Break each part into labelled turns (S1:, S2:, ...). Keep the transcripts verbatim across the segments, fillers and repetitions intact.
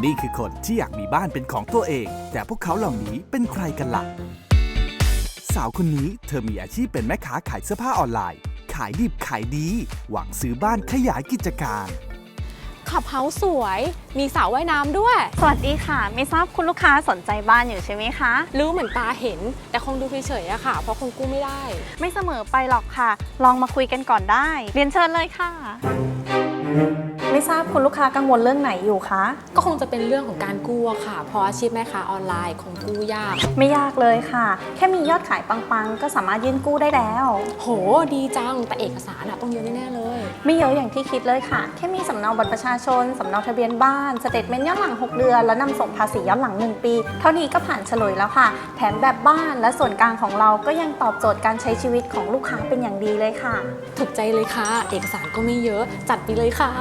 S1: นี่คือคนที่อยากมีบ้านเป็นของตัวเอง แต่พวกเขาเหล่านี้เป็นใครกันล่ะ สาวคนนี้เธอมีอาชีพเป็นแม่ค้าขายเสื้อผ้าออนไลน์ ขายดิบขายดี หวังซื้อบ้านขยายกิจการ
S2: ขับเฮาส์สวย มีสระว่ายน้ำด้วย
S3: สวัสดีค่ะ ไม่ทราบคุณลูกค้าสนใจบ้านอยู่ใช่ไหมคะ
S2: รู้เหมือนตาเห็น แต่คงดูเฉยๆอะค่ะ เพราะคงกู้ไม่ได้
S3: ไม่เสมอไปหรอกค่ะ ลองมาคุยกันก่อนได้ เรียนเชิญเลยค่ะ ไม่ทราบคุณลูกค้ากังวลเรื่องไหนอยู่คะ
S2: ก็คงจะเป็นเรื่องของการกู้อะค่ะ เพราะอาชีพแม่ค้าออนไลน์คงกู้ยาก
S3: ไม่ยากเลยค่ะ แค่มียอดขายปังๆ ก็สามารถยื่นกู้ได้แล้ว
S2: โห ดีจัง แต่เอกสารอะต้องเยอะแน่ๆเลย
S3: ไม่เยอะอย่างที่คิดเลยค่ะ แค่มีสำเนาบัตรประชาชน สำเนาทะเบียนบ้าน สเตทเมนต์ย้อนหลังหกเดือน และนำส่งภาษีย้อนหลังหนึ่งปี เท่านี้ก็ผ่านเฉลยแล้วค่ะ แถมแบบบ้านและส่วนกลางของเราก็ยังตอบโจทย์การใช้ชีวิตของลูกค้าเป็นอย่างดีเลยค่ะ
S2: ถูกใจเลยค่ะ เอกสารก็ไม่เยอะ จัดไปเลยค่ะ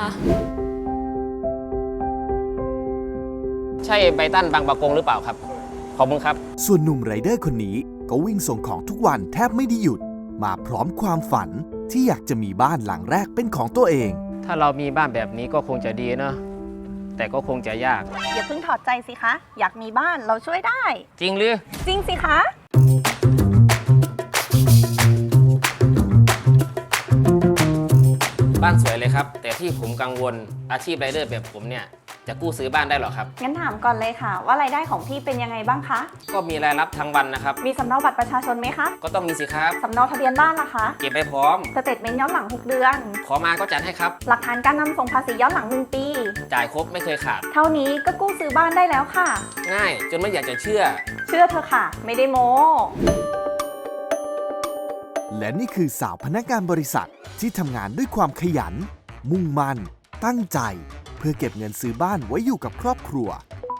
S4: ใช่ไบตันบางปะกงหรือเปล่าครับ ขอบคุณครับ
S1: ส่วนหนุ่มไรเดอร์คนนี้ก็วิ่งส่งของทุกวันแทบไม่ได้หยุด มาพร้อมความฝันที่อยากจะมีบ้านหลังแรกเป็นของตัวเอง
S4: ถ้าเรามีบ้านแบบนี้ก็คงจะดีเนอะแต่ก็คงจะยาก
S3: อย่าเพิ่งถอดใจสิคะ อยากมีบ้านเราช่วยได้
S4: จริงหรือ
S3: จริงสิคะ
S4: บ้านสวยเลยครับ แต่ที่ผมกังวลอาชีพไรเดอร์แบบผมเนี่ยจะกู้ซื้อบ้านได้หรอครับ
S3: งั้นถามก่อนเลยค่ะ ว่ารายได้ของพี่เป็นยังไงบ้างคะ
S4: ก็มีรายรับทั้งวันนะครับ
S3: มีสำเนาบัตรประชาชนไหมคะ
S4: ก็ต้องมีสิครับ
S3: สำเนาทะเบียนบ้านล่ะคะ
S4: เก็บไปพร้อม
S3: สเตทเมนต์ย้อนหลังหกเดือน
S4: ขอมาก็จัดให้ครับ
S3: หลักฐานการนำส่งภาษีย้อนหลังหนึ่งปี
S4: จ่ายครบไม่เคยขาด
S3: เท่านี้ก็กู้ซื้อบ้านได้แล้วค่ะ
S4: ง่ายจนไม่อยากจะเชื่อ
S3: เชื่อเธอะค่ะ ไม่ได้โม้
S1: และนี่คือสาวพนักงานบริษัทที่ทำงานด้วยความขยัน มุ่งมั่น ตั้งใจ เพื่อเก็บเงินซื้อบ้านไว้อยู่กับครอบครัว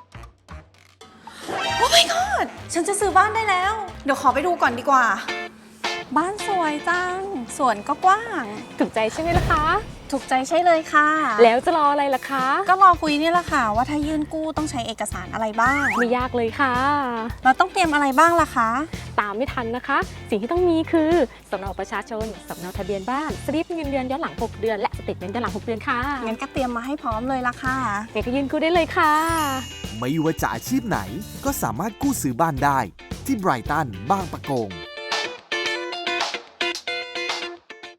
S3: โอ้ my god ฉันจะซื้อบ้านได้แล้ว เดี๋ยวขอไปดูก่อนดีกว่า บ้านสวยจัง สวนก็กว้าง
S2: ถูกใจใช่ไหมล่ะคะ
S3: ถูกใจใช่เลยค่ะ
S2: แล้วจะรออะไรล่ะคะ
S3: ก็รอคุยนี่แหละค่ะ ว่าถ้ายื่นกู้ต้องใช้เอกสารอะไรบ้าง
S2: ไม่ยากเลยค่ะ
S3: เราต้องเตรียมอะไรบ้างล่ะคะ
S2: ตามไม่ทันนะคะ สิ่งที่ต้องมีคือสำเนาประชาชน สำเนาทะเบียนบ้าน สลิปเงินเดือนย้อนหลังหกเดือน และสเตทเมนต์ย้อนหลังหกเดือนค่ะ
S3: งั้นก็เตรียมมาให้พร้อมเลยล่ะค่ะ
S2: เด็กก็ยืนกู้ได้เลยค่ะ
S1: ไม่ว่าจะอาชีพไหนก็สามารถกู้ซื้อบ้านได้ ที่ไบรตันบางปะกง